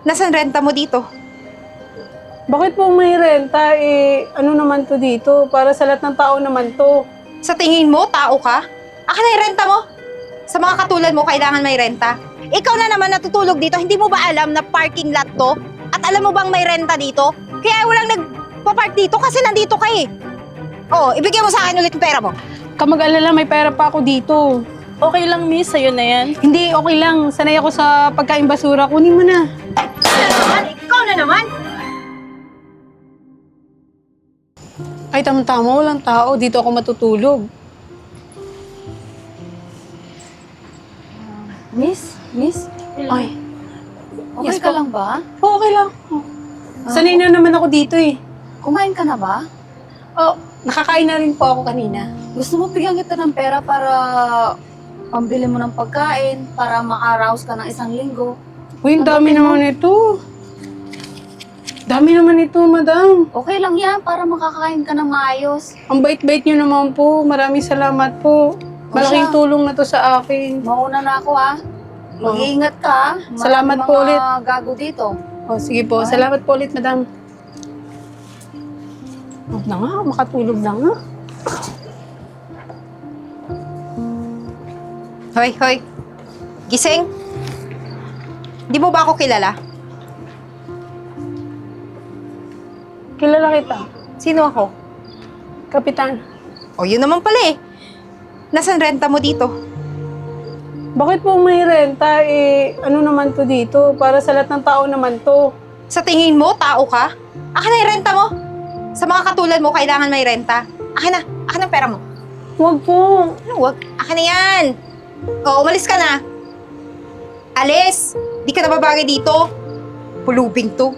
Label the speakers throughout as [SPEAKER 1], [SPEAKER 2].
[SPEAKER 1] Nasaan renta mo dito?
[SPEAKER 2] Bakit po may renta? Ano naman to dito? Para sa lahat ng tao naman to.
[SPEAKER 1] Sa tingin mo, tao ka? Akin na yung renta mo. Sa mga katulad mo, kailangan may renta. Ikaw na naman natutulog dito, hindi mo ba alam na parking lot to? At alam mo bang may renta dito? Kaya walang nagpa-park dito kasi nandito ka eh. Oh, ibigay mo sa akin ulit yung pera mo.
[SPEAKER 2] Kamag-alala, may pera pa ako dito.
[SPEAKER 3] Okay lang, miss. Sa'yo na yan.
[SPEAKER 2] Hindi, okay lang. Sanay ako sa pagkain basura. Kunin mo na.
[SPEAKER 1] Ikaw na naman.
[SPEAKER 2] Ay, tama-tama. Walang tao. Dito ako matutulog.
[SPEAKER 4] Miss?
[SPEAKER 2] Ay,
[SPEAKER 4] Okay
[SPEAKER 2] Yes
[SPEAKER 4] ka
[SPEAKER 2] po.
[SPEAKER 4] lang ba?
[SPEAKER 2] okay lang. Sanay na naman ako dito eh.
[SPEAKER 4] Kumain ka na ba?
[SPEAKER 2] Oh, nakakain na rin po ako kanina.
[SPEAKER 4] Gusto mo bigyan kita ng pera para pambili mo ng pagkain, para maka-arouse ka ng 1 linggo?
[SPEAKER 2] Uy, ang dami naman ito. Dami naman ito, madam.
[SPEAKER 4] Okay lang yan, para makakain ka ng maayos.
[SPEAKER 2] Ang bait-bait niyo naman po. Maraming salamat po. Malaking
[SPEAKER 4] siya.
[SPEAKER 2] tulong na to sa akin.
[SPEAKER 4] Mauna na ako ha. Mag-iingat ka. Maraming
[SPEAKER 2] Salamat po ulit.
[SPEAKER 4] mga gago dito.
[SPEAKER 2] Oh, sige po. Salamat po ulit, madam. Huwag na nga, makatulog na nga.
[SPEAKER 1] Hoy, hoy. Gising. Di mo ba ako kilala?
[SPEAKER 2] Kilala kita.
[SPEAKER 1] Sino ako?
[SPEAKER 2] Kapitan.
[SPEAKER 1] O, yun naman pala eh. Nasaan renta mo dito?
[SPEAKER 2] Bakit po may renta? Ano naman to dito? Para sa lahat ng tao naman to.
[SPEAKER 1] Sa tingin mo, tao ka? Akin na yung renta mo. Sa mga katulad mo, kailangan may renta. Akin na. Akin ang pera mo.
[SPEAKER 2] Huwag po.
[SPEAKER 1] Ano, wag? Akin na yan. O, umalis ka na. Alis! Di ka na babagay dito. Pulubing to.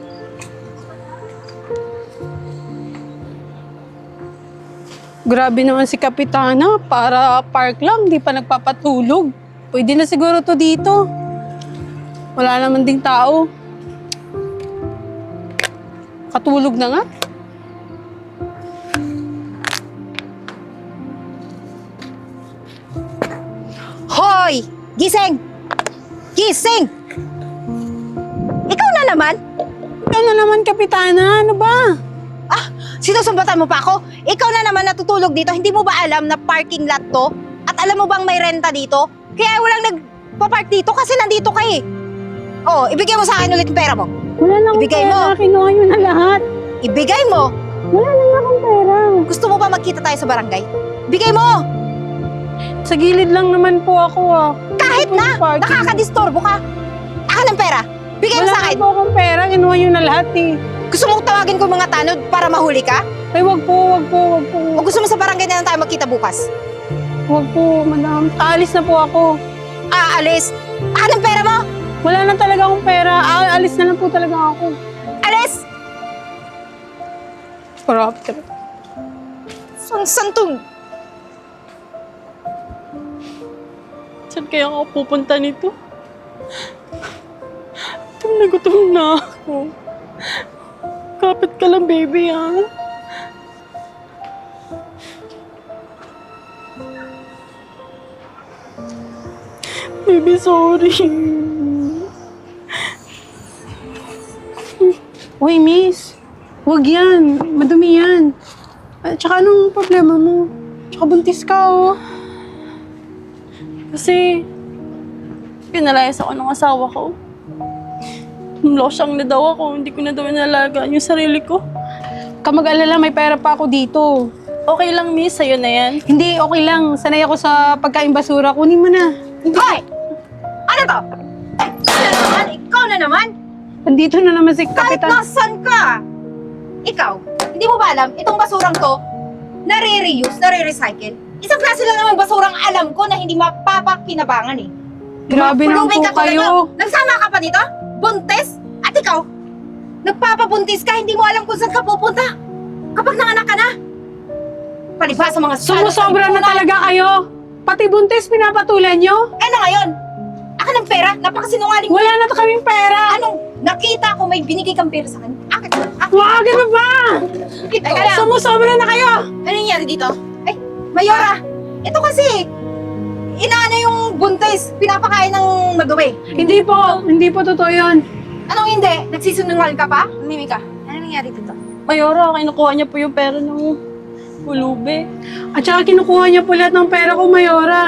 [SPEAKER 2] Grabe naman si Kapitana. Para park lang, di pa nagpapatulog. Pwede na siguro to dito. Wala naman ding tao. Katulog na nga.
[SPEAKER 1] Hoy! Gising! Gising! Ikaw na naman?
[SPEAKER 2] Ikaw na naman, Kapitana. Ano ba?
[SPEAKER 1] Ah, sinusumbatan mo pa ako? Ikaw na naman natutulog dito, hindi mo ba alam na parking lot to? At alam mo bang may renta dito? Kaya walang nagpa-park dito kasi nandito ka eh. Oh, ibigay mo sa akin ulit yung pera mo.
[SPEAKER 2] Wala na akong
[SPEAKER 1] Ibigay
[SPEAKER 2] pera.
[SPEAKER 1] mo.
[SPEAKER 2] Kinuha nyo na lahat.
[SPEAKER 1] Ibigay mo.
[SPEAKER 2] Wala na akong pera.
[SPEAKER 1] Gusto mo ba magkita tayo sa barangay? Bigay mo!
[SPEAKER 2] Sa gilid lang naman po ako ah.
[SPEAKER 1] Kahit
[SPEAKER 2] Ano po
[SPEAKER 1] na!
[SPEAKER 2] yung parking?
[SPEAKER 1] Nakakadistorbo ka! Akin ang pera! Bigay mo
[SPEAKER 2] Wala
[SPEAKER 1] sa akin!
[SPEAKER 2] na po akong pera. Kinuha nyo na lahat eh.
[SPEAKER 1] Gusto mong tawagin ko mga tanod para mahuli ka?
[SPEAKER 2] Ay, wag po, wag po, wag po.
[SPEAKER 1] O gusto mo sa barangay na lang tayo magkita bukas?
[SPEAKER 2] Wag po, madam. Aalis na po ako.
[SPEAKER 1] Aalis! Akin ang pera mo!
[SPEAKER 2] Wala na talaga akong pera. Aalis na lang po talaga ako.
[SPEAKER 1] Alis!
[SPEAKER 2] Corrupted.
[SPEAKER 1] San to?
[SPEAKER 3] Saan kaya ako pupunta nito? Gutom na ako. Kapit ka lang, baby, ha? Baby, sorry.
[SPEAKER 2] Uy, miss. Wag yan. Madumi yan. At saka anong problema mo? Tsaka buntis ka, oh.
[SPEAKER 3] Kasi, pinalayas ako ng asawa ko. Losyang na daw ako, hindi ko na daw inalagaan yung sarili ko.
[SPEAKER 2] Kamag-alala, may pera pa ako dito.
[SPEAKER 3] Okay lang, miss, sa'yo na yan.
[SPEAKER 2] Hindi, okay lang. Sanay ako sa pagkain basura. Kunin mo na.
[SPEAKER 1] Hoy! Ano to? Ano naman? Ikaw na naman?
[SPEAKER 2] Andito na naman si
[SPEAKER 1] Kahit
[SPEAKER 2] Kapitan.
[SPEAKER 1] nasan ka! Ikaw, hindi mo ba alam, itong basurang to, nare-reuse, nare-recycle. Isang klase lang naman basurang alam ko na hindi mapapakinabangan eh.
[SPEAKER 2] Grabe naman
[SPEAKER 1] Pulubing
[SPEAKER 2] po
[SPEAKER 1] katulad
[SPEAKER 2] kayo.
[SPEAKER 1] nyo. Nagsama ka pa nito? Buntis? At ikaw, nagpapabuntis ka, hindi mo alam kung saan ka pupunta. Kapag nanganak ka na. Palibha sa mga
[SPEAKER 2] Sumusobra na talaga kayo. Pati buntis pinapatulan nyo.
[SPEAKER 1] Eh na ngayon, akin ang pera, napakasinungaling mo.
[SPEAKER 2] Wala na kaming pera.
[SPEAKER 1] Anong nakita ko may binigay kang pera sa kanya? Akin.
[SPEAKER 2] Wag, ano ba?
[SPEAKER 1] Teka lang.
[SPEAKER 2] Sumusobra na kayo.
[SPEAKER 1] Ano nangyari dito? Ay, Mayora, ito kasi, inaano yung buntis, pinapakain ng madumi.
[SPEAKER 2] Hindi po totoo yun.
[SPEAKER 1] Anong hindi? Nagsisunungal ka pa? Mimi ka. Ano nangyari dito?
[SPEAKER 3] Mayora, kinukuha niya po yung pera ng pulubi.
[SPEAKER 2] At saka kinukuha niya po lahat ng pera ko, Mayora.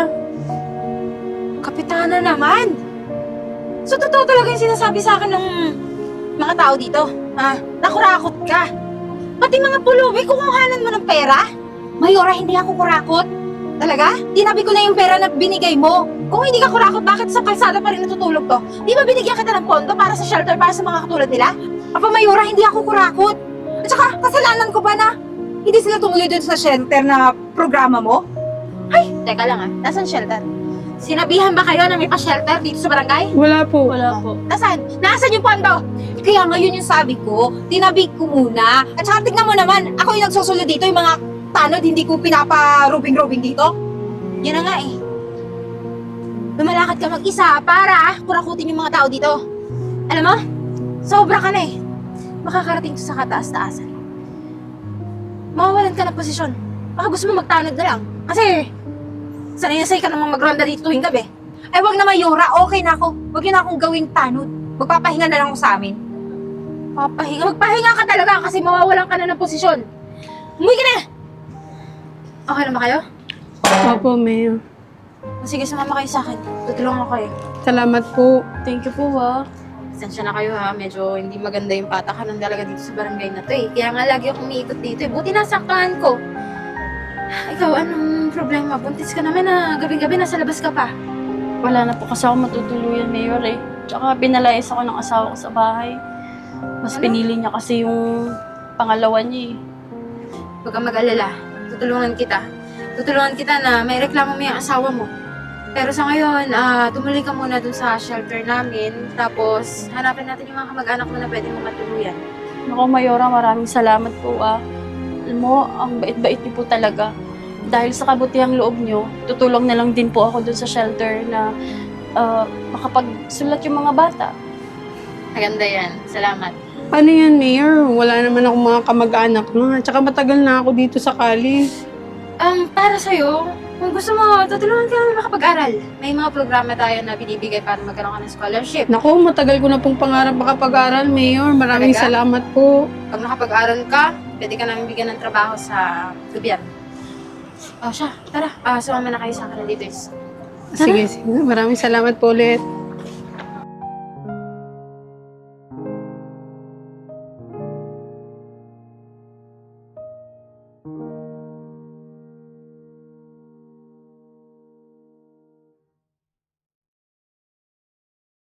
[SPEAKER 1] Kapitana naman! So, totoo talaga yung sinasabi sa akin ng mga tao dito? Nakurakot ka. Pati mga pulubi, kukuhanan mo ng pera? Mayora, hindi ako kurakot. Talaga? Tinabi ko na yung pera na binigay mo. Kung hindi ka kurakot, bakit sa kalsada pa rin natutulog to? Di ba binigyan kita ng pondo para sa shelter para sa mga katulad nila? Apa, Mayora, hindi ako kurakot. At saka, kasalanan ko ba na hindi sila tumuloy dun sa shelter na programa mo? Ay, teka lang Nasaan shelter? Sinabihan ba kayo na may pa-shelter dito sa barangay?
[SPEAKER 2] Wala po.
[SPEAKER 3] Wala po.
[SPEAKER 1] Nasaan? Nasaan yung pondo? Kaya ngayon yung sabi ko, tinabig ko muna. At saka tignan mo naman, ako yung nagsusunod dito, yung mga tanod, hindi ko pinapa-rubing-rubing dito. Yan na nga eh. Lumalakad ka mag-isa para kurakutin yung mga tao dito. Alam mo, sobra ka na eh. Makakarating sa kataas-taasan. Mawawalan ka ng posisyon. Baka gusto mo magtanod na lang. Kasi, sanay-sanay ka namang magronda dito tuwing gabi. Ay, wag na Mayora, okay na ako. Wag yun na akong gawing tanod. Magpapahinga na lang ako sa amin. Magpahinga ka talaga kasi mawawalan ka na ng posisyon. Umuwi ka na! Okay na ba kayo?
[SPEAKER 2] Opo, Mayor.
[SPEAKER 1] Sige, sumama kayo sa akin. Tutulungan ko kayo.
[SPEAKER 2] Salamat po.
[SPEAKER 3] Thank you po, ha.
[SPEAKER 1] Pasensya na kayo ha, medyo hindi maganda yung patakaran talaga dito sa barangay na to eh. Kaya nga lagi akong umiikot dito eh. Buti nasaktan ko. Ikaw, anong problema? Buntis ka naman na gabi-gabi nasa labas ka pa.
[SPEAKER 3] Wala na po kasi ako matutuluyan, Mayor, eh. Tsaka pinalayas ako ng asawa ko sa bahay. Mas
[SPEAKER 1] Ano?
[SPEAKER 3] pinili niya kasi yung pangalawa niya, eh.
[SPEAKER 1] Huwag kang mag-alala. Tutulungan kita. Tutulungan kita na may reklamo mo yung asawa mo. Pero sa ngayon, tumuloy ka muna dun sa shelter namin. Tapos, hanapin natin yung mga kamag-anak mo na pwede mo matuluyan.
[SPEAKER 3] Naku, Mayora, maraming salamat po, ah. Alam mo, ang bait-bait niyo po talaga. Dahil sa kabutihang loob niyo, tutulong na lang din po ako dun sa shelter na makapagsulat yung mga bata.
[SPEAKER 1] Maganda yan. Salamat.
[SPEAKER 2] Ano yan, Mayor? Wala naman ako mga kamag-anak na. Tsaka matagal na ako dito sa college.
[SPEAKER 1] Para sa'yo, kung gusto mo, tutulungan ka namin makapag-aral. May mga programa tayo na binibigay para magkaroon ka ng scholarship.
[SPEAKER 2] Naku, matagal ko na pong pangarap makapag-aral, Mayor. Maraming
[SPEAKER 1] Talaga?
[SPEAKER 2] salamat po.
[SPEAKER 1] Pag nakapag-aral ka, pwede ka namin bigyan ng trabaho sa gobyerno. Siya, tara. Sumama na kayo sa akin dito.
[SPEAKER 2] Sige, sige. Maraming salamat po ulit.